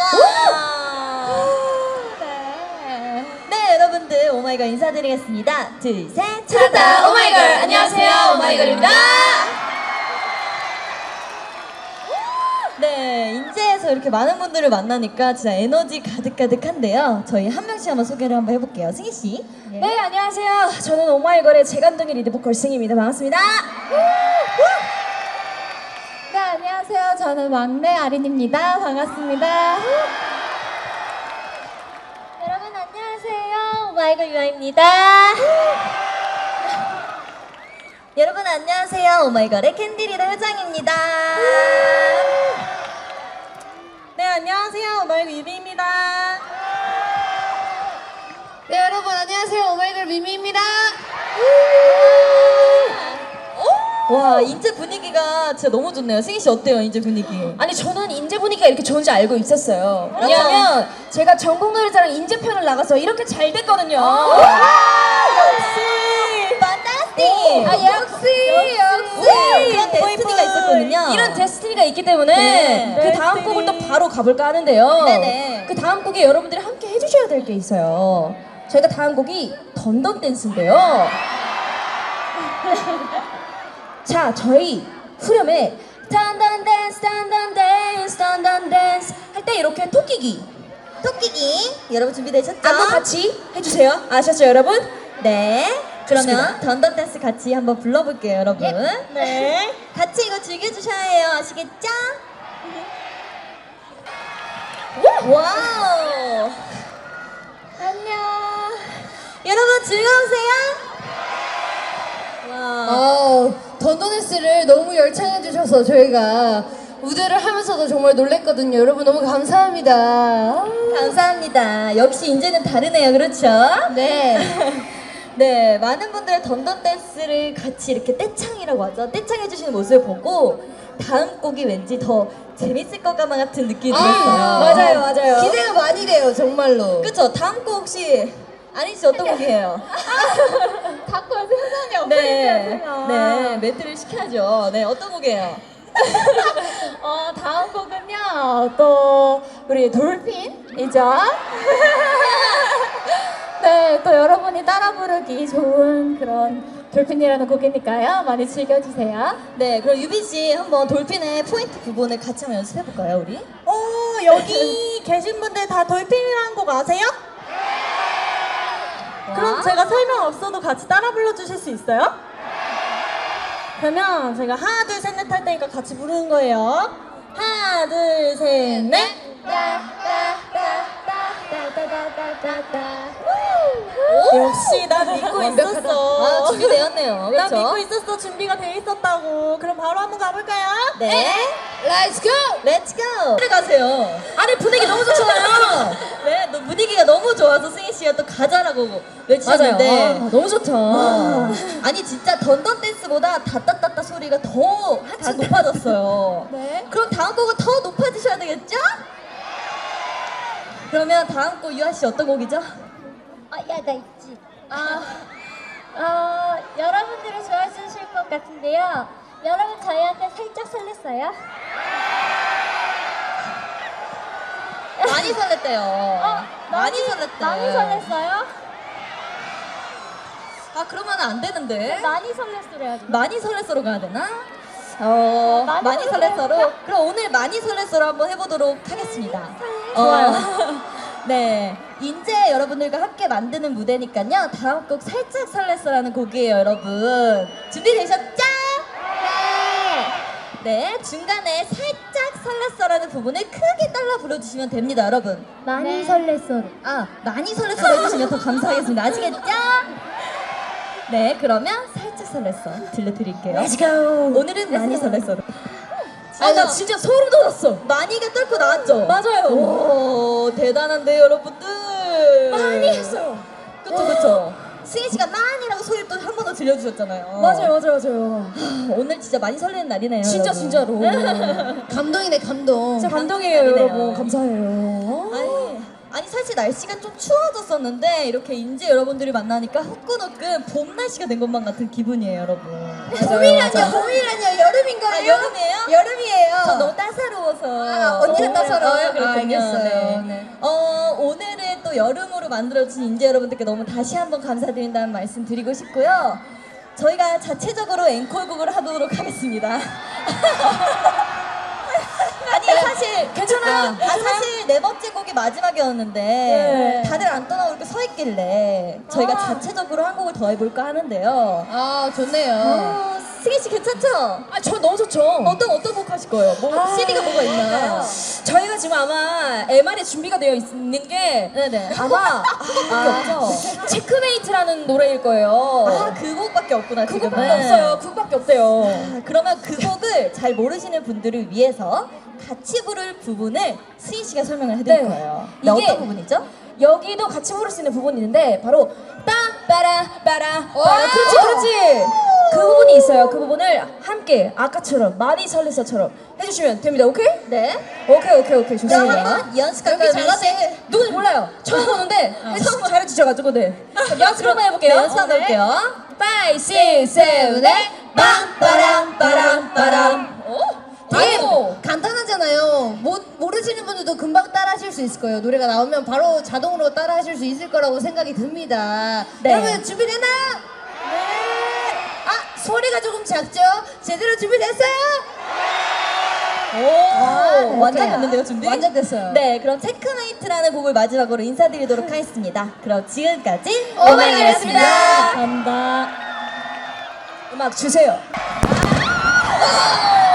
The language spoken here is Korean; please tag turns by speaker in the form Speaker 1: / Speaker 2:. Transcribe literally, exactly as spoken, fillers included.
Speaker 1: 네. 네, 여러분들 오마이걸 인사드리겠습니다. 둘, 셋.
Speaker 2: 찾았다 오마이걸. 안녕하세요, 오마이걸입니다.
Speaker 1: 네, 인제에서 이렇게 많은 분들을 만나니까 진짜 에너지 가득가득한데요. 저희 한 명씩 한번 소개를 한번 해볼게요. 승희 씨.
Speaker 2: 네. 네, 안녕하세요. 저는 오마이걸의 재간둥이 리드보컬 승희입니다. 반갑습니다.
Speaker 3: 네, 안녕하세요. 저는 막내 아린입니다. 반갑습니다.
Speaker 4: 여러분 안녕하세요. 오마이걸 유아입니다.
Speaker 1: 여러분 안녕하세요. 오마이걸의 캔디리더 효정입니다.
Speaker 2: 네, 안녕하세요. 오마이걸 유비입니다.
Speaker 3: 네, 여러분 안녕하세요. 오마이걸 미미입니다.
Speaker 1: 와, 인제 분위기가 진짜 너무 좋네요. 승희 씨 어때요, 인제 분위기?
Speaker 2: 아니, 저는 인재 분위기가 이렇게 좋은지 알고 있었어요. 왜냐하면 제가 전국 노래자랑 인재편을 나가서 이렇게 잘 됐거든요.
Speaker 1: 역시 판타스틱.
Speaker 2: 아, 역시, 역시.
Speaker 1: 그런 데스티니가 있었거든요.
Speaker 2: 이런 데스티니가 있기 때문에
Speaker 1: 네.
Speaker 2: 그 다음 곡을 또 바로 가볼까 하는데요.
Speaker 1: 네네.
Speaker 2: 그 다음 곡에 여러분들이 함께 해주셔야 될 게 있어요. 저희가 다음 곡이 던던 댄스인데요. 자, 저희 후렴에 던던 댄스, 던던 댄스, 던던 댄스 할 때 이렇게 토끼기
Speaker 1: 토끼기 여러분 준비되셨죠?
Speaker 2: 안무 같이 해주세요. 아셨죠, 여러분?
Speaker 1: 네. 그러면
Speaker 2: 좋습니다.
Speaker 1: 던던 댄스 같이 한번 불러볼게요, 여러분.
Speaker 2: 네.
Speaker 1: 같이 이거 즐겨주셔야 해요. 아시겠죠? 와우. 안녕. 여러분 즐거우세요? 와.
Speaker 3: 어, 던던댄스를 너무 열창해 주셔서 저희가 무대를 하면서도 정말 놀랬거든요. 여러분 너무 감사합니다.
Speaker 1: 감사합니다. 역시 이제는 다르네요, 그렇죠?
Speaker 3: 네.
Speaker 1: 네, 많은 분들 던던 댄스를 같이 이렇게 떼창이라고 하죠. 떼창해 주시는 모습을 보고 다음 곡이 왠지 더 재밌을 것 같은 느낌이 들었어요.
Speaker 2: 맞아요, 맞아요.
Speaker 3: 기대가 많이 돼요, 정말로.
Speaker 1: 그쵸? 다음 곡 혹시 아린 씨 어떤 곡이에요?
Speaker 3: 자꾸 세상에
Speaker 1: 네, 네, 멘트를 시켜야죠. 네, 어떤 곡이에요?
Speaker 3: 어, 다음 곡은요, 또 우리 돌핀이죠. 네, 또 여러분이 따라 부르기 좋은 그런 돌핀이라는 곡이니까요. 많이 즐겨주세요.
Speaker 1: 네, 그럼 유빈 씨 한번 돌핀의 포인트 부분을 같이 한번 연습해 볼까요, 우리?
Speaker 2: 어, 여기 계신 분들 다 돌핀이라는 곡 아세요? 그럼 제가 설명 없어도 같이 따라 불러주실 수 있어요? 그러면 제가 하나 둘 셋 넷 할 테니까 같이 부르는 거예요. 하나 둘 셋 넷. 역시 나 믿고 있었어.
Speaker 1: 아, 준비되었네요.
Speaker 2: 나
Speaker 1: 그렇죠?
Speaker 2: 믿고 있었어. 준비가 돼 있었다고. 그럼 바로 한번 가볼까요?
Speaker 1: 네.
Speaker 3: Let's go!
Speaker 1: 렛츠 고! 어디 가세요?
Speaker 2: 아니 분위기 너무 좋잖아요.
Speaker 1: 네, 너 분위기가 너무 좋아서 승희 씨가 또 가자라고 외치는데
Speaker 2: 맞아요. 아, 너무 좋다.
Speaker 1: 아, 아니 진짜 던던 댄스보다 다따따따 소리가 더 한층 높아졌어요.
Speaker 3: 네.
Speaker 1: 그럼 다음 곡은 더 높아지셔야 되겠죠? 그러면 다음 곡 유아 씨 어떤 곡이죠?
Speaker 4: 어, 야, 나 있지. 아, 어, 여러분들이 좋아해 주실 것 같은데요. 여러분 저희한테 살짝 설렜어요?
Speaker 1: 많이 설렜대요.
Speaker 4: 어,
Speaker 1: 많이 설렜대.
Speaker 4: 많이 설렜어요?
Speaker 1: 아 그러면 안 되는데.
Speaker 4: 많이 설렜으로 해야지.
Speaker 1: 많이 설렜어로 가야 되나? 어,
Speaker 4: 많이
Speaker 1: 많이
Speaker 4: 설렜어로
Speaker 1: 설렜어로. 그럼 오늘 많이 설렜어로 한번 해보도록 하겠습니다.
Speaker 2: 좋아요.
Speaker 1: 어, 네, 인제 여러분들과 함께 만드는 무대니까요. 다음 곡 살짝 설렜어라는 곡이에요, 여러분. 준비되셨죠? 네. 네, 중간에 살짝 설렜어라는 부분을 크게 따라 불러주시면 됩니다, 여러분.
Speaker 4: 많이 설렜어.
Speaker 1: 아, 많이 설렜어 해주시면 더 감사하겠습니다. 아시겠죠? 네, 그러면 살짝 설렜어 들려드릴게요.
Speaker 2: Let's go.
Speaker 1: 오늘은 많이 설렜어.
Speaker 2: 아, 나 진짜 소름 돋았어.
Speaker 1: 많이가 뚫고 나왔죠?
Speaker 2: 맞아요.
Speaker 1: 오, 대단한데요, 여러분들.
Speaker 2: 많이 했어요.
Speaker 1: 그쵸, 그쵸. 승희 씨가 많이라고 소리를 또 한 번 더 들려주셨잖아요.
Speaker 2: 맞아요, 맞아요, 맞아요.
Speaker 1: 오늘 진짜 많이 설레는 날이네요.
Speaker 2: 진짜
Speaker 1: 여러분.
Speaker 2: 진짜로.
Speaker 3: 감동이네, 감동.
Speaker 2: 진짜 감동이에요,
Speaker 1: 감동이네요.
Speaker 2: 여러분. 감사해요.
Speaker 1: 아니, 아니 사실 날씨가 좀 추워졌었는데 이렇게 인재 여러분들이 만나니까 후끈후끈 봄 날씨가 된 것만 같은 기분이에요, 여러분.
Speaker 3: 봄이라뇨, 봄이라뇨. 여름인가요?
Speaker 1: 아, 여름이에요?
Speaker 3: 여름이에요.
Speaker 1: 전 너무 따사로워서.
Speaker 3: 아, 언니가 따사로워요?
Speaker 1: 아, 그렇군요.
Speaker 3: 알겠어요.
Speaker 1: 네.
Speaker 3: 네.
Speaker 1: 어, 오늘은 또 여름으로 만들어주신 인재 여러분들께 너무 다시 한번 감사드린다는 말씀 드리고 싶고요. 저희가 자체적으로 앵콜곡을 하도록 하겠습니다. 아니 사실 괜찮아. 아 사실 네 번째 곡이 마지막이었는데
Speaker 2: 네.
Speaker 1: 다들 안 떠나고 이렇게 서 있길래 저희가
Speaker 2: 아.
Speaker 1: 자체적으로 한 곡을 더 해볼까 하는데요.
Speaker 3: 아, 좋네요.
Speaker 1: 어, 승희 씨 괜찮죠?
Speaker 2: 아, 저 너무 좋죠.
Speaker 1: 어떤 어떤 곡 하실 거예요? 뭐
Speaker 2: 아,
Speaker 1: 씨디가 뭐가 있나?
Speaker 2: 저희가 지금 아마 엠알에 준비가 되어 있는 게
Speaker 1: 네네.
Speaker 2: 아마
Speaker 1: 그거밖에 없죠.
Speaker 2: 체크메이트라는 노래일 거예요.
Speaker 1: 아, 그 곡밖에 없구나 지금.
Speaker 2: 그거밖에 없어요. 그거밖에 없대요.
Speaker 1: 아, 그러면 그 곡을 잘 모르시는 분들을 위해서 같이 부를 부분을 스희 씨가 설명을 해드릴
Speaker 2: 네.
Speaker 1: 거예요. 네,
Speaker 2: 이게
Speaker 1: 어떤 부분이죠?
Speaker 2: 여기도 같이 부를 수 있는 부분이 있는데 바로 따빠라 빠라
Speaker 3: 와!
Speaker 2: 빠라 그렇지 그렇지 그 부분이 있어요. 그 부분을 함께 아까처럼 많이 설레서처럼 해주시면 됩니다. 오케이?
Speaker 1: 네.
Speaker 2: 오케이 오케이 오케이
Speaker 1: 그럼
Speaker 2: 좋습니다.
Speaker 1: 한번 연습할까요?
Speaker 3: 여기 잘하네.
Speaker 1: 민희 씨?
Speaker 2: 누군지 몰라요. 처음 보는데 처음 잘해주셔가지고 네. 그럼 연습 한번 해볼게요.
Speaker 1: 네, 연습 한번 해볼게요.
Speaker 2: 파이브, 식스, 세븐, 에잇 빰빠람 빠람 빠람.
Speaker 3: 되게
Speaker 2: 아이고.
Speaker 3: 간단하잖아요. 모, 모르시는 분들도 금방 따라 하실 수 있을 거예요. 노래가 나오면 바로 자동으로 따라 하실 수 있을 거라고 생각이 듭니다.
Speaker 1: 네.
Speaker 3: 여러분 준비됐나요? 네. 아, 소리가 조금 작죠? 제대로 준비됐어요?
Speaker 1: 오, 완전
Speaker 3: 오케이.
Speaker 1: 됐는데요, 준비?
Speaker 3: 완전 됐어요.
Speaker 1: 네, 그럼 체크메이트라는 곡을 마지막으로 인사드리도록 하겠습니다. 그럼 지금까지
Speaker 3: 오마이걸이었습니다.
Speaker 1: 감사합니다.
Speaker 2: 음악 주세요.
Speaker 3: 와!